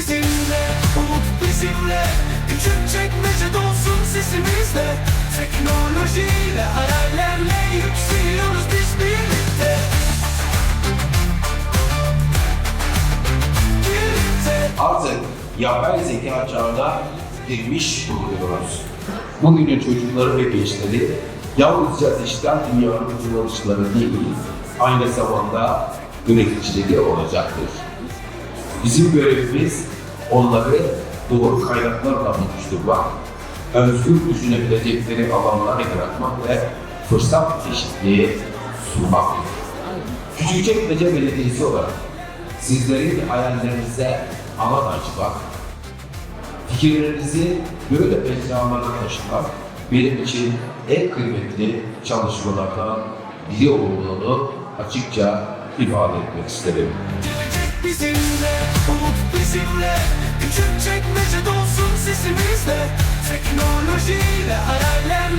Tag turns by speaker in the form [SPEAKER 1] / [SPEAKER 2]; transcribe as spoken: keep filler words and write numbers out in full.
[SPEAKER 1] bizimle, umut bizimle. Küçükçekmece dolsun sesimizle. Teknolojiyle, hayallerle yükseliyoruz biz birlikte. Birlikte.
[SPEAKER 2] Artık yapay zeka çağına girmiş bulunuyoruz. Bugünün çocukları ve gençleri yalnızca dijital dünyanın kullanıcıları değil, aynı zamanda üreticileri olacaktır. Bizim görevimiz onları doğru kaynaklarla buluşturmak, özgür düşünebilecekleri alanlar yaratmak ve fırsat eşitliği sunmaktır. Küçükçekmece Belediyesi olarak sizlerin hayallerinize alan açmak, fikirlerinizi böyle mecralara taşımak benim için en kıymetli çalışmalardan biri olduğunu açıkça ifade etmek isterim.
[SPEAKER 1] Gelecek bizimle, umut bizimle. Küçükçekmece dolsun sesimizle. Teknolojiyle, hayallerle